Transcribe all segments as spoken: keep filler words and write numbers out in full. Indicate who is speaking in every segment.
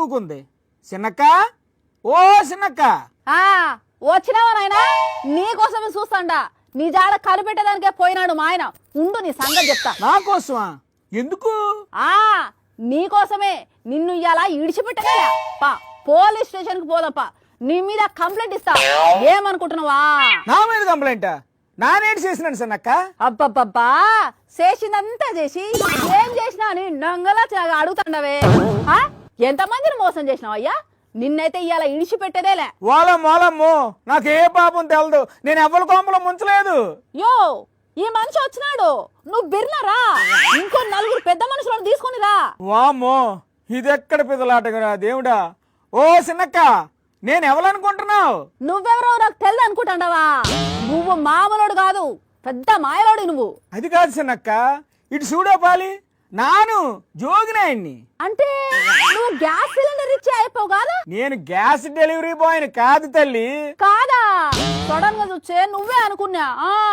Speaker 1: కూకుంది. చిన్నక్క, ఓ చిన్నక్క.
Speaker 2: ఆ వచ్చినావా నాయనా? నీకోసమే చూస్తాండా. నీ జాడ కనిపెట్టేదానికే పోయినాడు మా ఆయన. ఉండు నీ సంగతి చెప్తా.
Speaker 1: నా కోసమా? ఎందుకు?
Speaker 2: ఆ నీకోసమే. నిన్ను ఇలా ఇడిచిపెట్టగా పా పోలీస్ స్టేషన్ కి పోదప్పా. నీ మీద కంప్లైంట్ ఇస్తా. ఏమనుకుంటున్నావా?
Speaker 1: నా మీద కంప్లైంట్? నానేటి చేసినాను చిన్నక్క?
Speaker 2: అబ్బబ్బబ్బా, చేసిందంతా చేసి ఏం చేసినా అని నంగలా అడుగుతాండవే. ఎంతమందిని మోసం చేసినావు అయ్యా? నిన్నైతే ఇవాళ ఇడిచిపెట్టేదేలే.
Speaker 1: ఓలమ్మ ఓలమ్మో, నాకు ఏ పాపం తెలదు. నేను ఎవరి కోంపలో ముంచలేదు.
Speaker 2: యో ఈ మనిషి వచ్చినాడు, నువ్వు బిర్నరా. ఇంకో నలుగురు పెద్ద మనుషులను తీసుకుని రా.
Speaker 1: వామ్మో, ఇదెక్కడ పిదలాటగా దేవుడా. ఓ చిన్నక్క, నేను ఎవరనుకుంటున్నావు?
Speaker 2: నువ్వెవరో నాకు తెల్దు అనుకుంటాండవా? నువ్వు మామూలుడు కాదు, పెద్ద మాయలోడు నువ్వు.
Speaker 1: అది కాదు చిన్నక్క, ఇటు చూడో పాలి. నాను జోగినాయన్ని.
Speaker 2: అంటే నువ్వు గ్యాస్ సిలిండర్ ఇచ్చి అయిపోవు కాదా?
Speaker 1: నేను గ్యాస్ డెలివరీ బాయ్ని కాదు తల్లి.
Speaker 2: కాదా? సడన్ గా చూచే నువ్వే అనుకున్నా.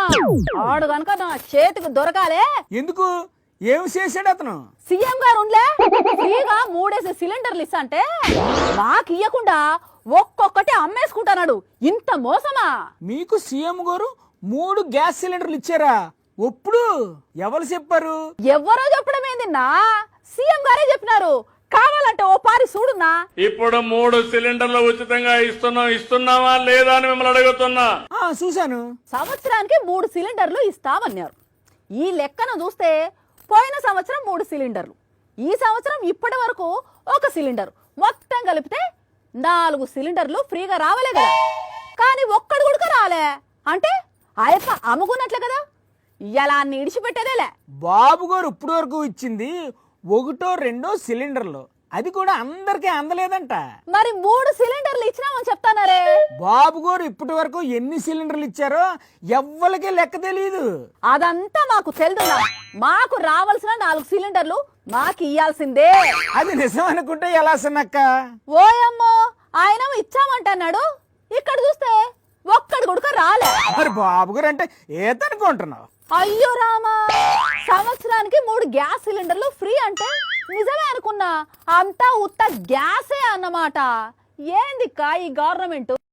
Speaker 2: ఆడు కనుక నా చేతికి దొరకాలే.
Speaker 1: ఎందుకు? ఏం చేశాడు అతను?
Speaker 2: సీఎం గారు ఉండే ఫ్రీగా మూడేసి సిలిండర్లు ఇస్తా అంటే మాకు ఇయ్యకుండా ఒక్కొక్కటి అమ్మేసుకుంటున్నాడు. ఇంత మోసమా?
Speaker 1: మీకు సీఎం గారు మూడు గ్యాస్ సిలిండర్లు ఇచ్చారా? ఒప్పుడు ఎవరు చెప్పారు?
Speaker 2: ఎవరో చెప్పడం ఏందిన్నా, సీఎం గారే చెప్పినారు. కావాలంటే ఓ పారి చూడున్నా.
Speaker 3: ఇప్పుడు మూడు సిలిండర్లు ఉచితంగా ఇస్తున్నాం, ఇస్తున్నావా లేదా అని మిమ్మల్ని అడుగుతున్నా.
Speaker 1: చూశాను.
Speaker 2: సంవత్సరానికి మూడు సిలిండర్లు ఇస్తామన్నారు. ఈ లెక్కను చూస్తే పోయిన సంవత్సరం మూడు సిలిండర్లు, ఈ సంవత్సరం ఇప్పటి వరకు ఒక సిలిండర్, మొత్తం కలిపితే నాలుగు సిలిండర్లు ఫ్రీగా రావలే కదా. కానీ ఒక్కడు కూడా రాలే. అంటే ఆయప్ప అమ్ముకున్నట్లే కదా. ఇలా అన్ని ఇడిచిపెట్టేదేలే.
Speaker 1: బాబు గారు ఇప్పుడు వరకు ఇచ్చింది ఒకటో రెండో సిలిండర్లు, అది కూడా అందరికీ అందలేదంట.
Speaker 2: మరి మూడు సిలిండర్లు ఇచ్చినామని చెప్తానరే.
Speaker 1: బాబు గారు ఇప్పటి వరకు ఎన్ని సిలిండర్లు ఇచ్చారో ఎవ్వరికీ లెక్క తెలియదు.
Speaker 2: అదంతా మాకు తెలుదున్నా. మాకు రావాల్సిన నాలుగు సిలిండర్లు మాకు ఇయ్యాల్సిందే.
Speaker 1: అది నిజం అనుకుంటే ఎలా చిన్నక్క?
Speaker 2: ఓయమ్మో, ఆయన ఇచ్చామంటున్నాడు, ఇక్కడ చూస్తే ఒక్కడు గుడక రాలే.
Speaker 1: మరి బాబు గారు అంటే ఏతనుకుంటున్నావు?
Speaker 2: అయ్యో రామా, సంవత్సరానికి మూడు గ్యాస్ సిలిండర్లు ఫ్రీ అంటే నిజమే అనుకున్నా. అంతా ఉత్త గ్యాసే అన్నమాట. ఏందిక్కా ఈ గవర్నమెంట్?